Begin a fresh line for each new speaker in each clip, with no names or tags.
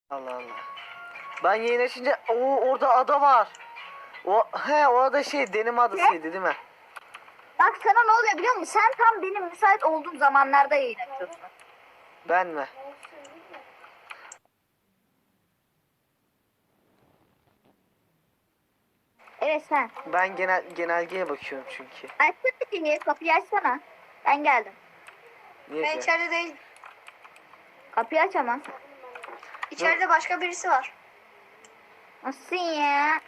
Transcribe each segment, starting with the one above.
Allah Allah. Ben yayın açınca orada ada var. O ada Denim adasıydı değil mi?
Bak sana ne oluyor biliyor musun? Sen tam benim müsait olduğum zamanlarda yayın açıyorsun.
Ben mi?
Evet sen.
Ben genelgeye bakıyorum çünkü.
Açsana kapıyı, kapıyı açsana. Ben geldim.
Niye
Ben
ki?
içeride değilim.
Kapıyı aç ama.
İçeride başka birisi var.
Nasıl ya?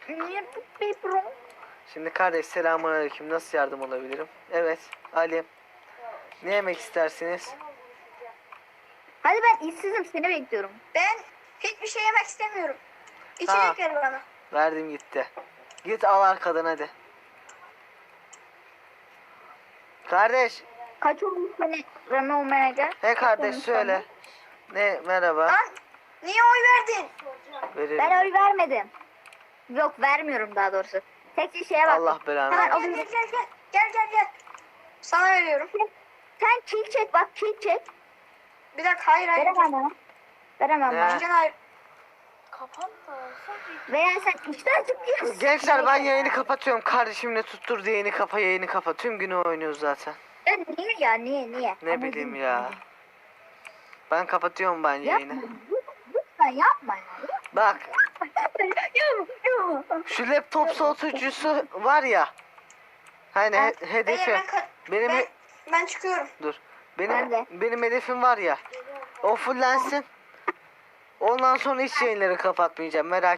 Şimdi kardeş selamünaleyküm. Nasıl yardım olabilirim? Evet Ali. Ne yemek istersiniz?
Hadi ben işsizim seni bekliyorum.
Ben hiçbir şey yemek istemiyorum.
Ha.
İçecek ver bana.
Verdim gitti. Git al arkadan hadi. Kardeş.
Kaç olmuş seni Rami olmaya gel?
He kardeş
olmuş
söyle. Ne merhaba.
Lan niye oy verdin?
Veririm.
Ben oy vermedim. Yok vermiyorum daha doğrusu. Tek bir şeye bak.
Allah belanı.
Hemen
Gel
alayım.
gel gel gel. Gel gel gel. Sana veriyorum.
Sen kill çek bak kill çek.
Bir dakika hayır hayır.
Veremem bana. Veremem
Ne?
bana.
Başkan hayır.
Veya sen işten çıkıyorsun.
Gençler ben yayını kapatıyorum. Kardeşimle tutturdu yayını kapa. Tüm günü oynuyoruz zaten.
Ya niye ya niye?
Ne
Ama
bileyim
değil.
ya. Ben kapatıyorum ben yayını.
Yapma. Lütfen yapma ya.
Bak
Yapma.
şu laptop soğutucusu var ya. Hani hedefi. Benim
Ben çıkıyorum.
dur.
Ben de.
Benim hedefim var ya. O fullensin. Ondan sonra hiç yayınları kapatmayacağım. Merak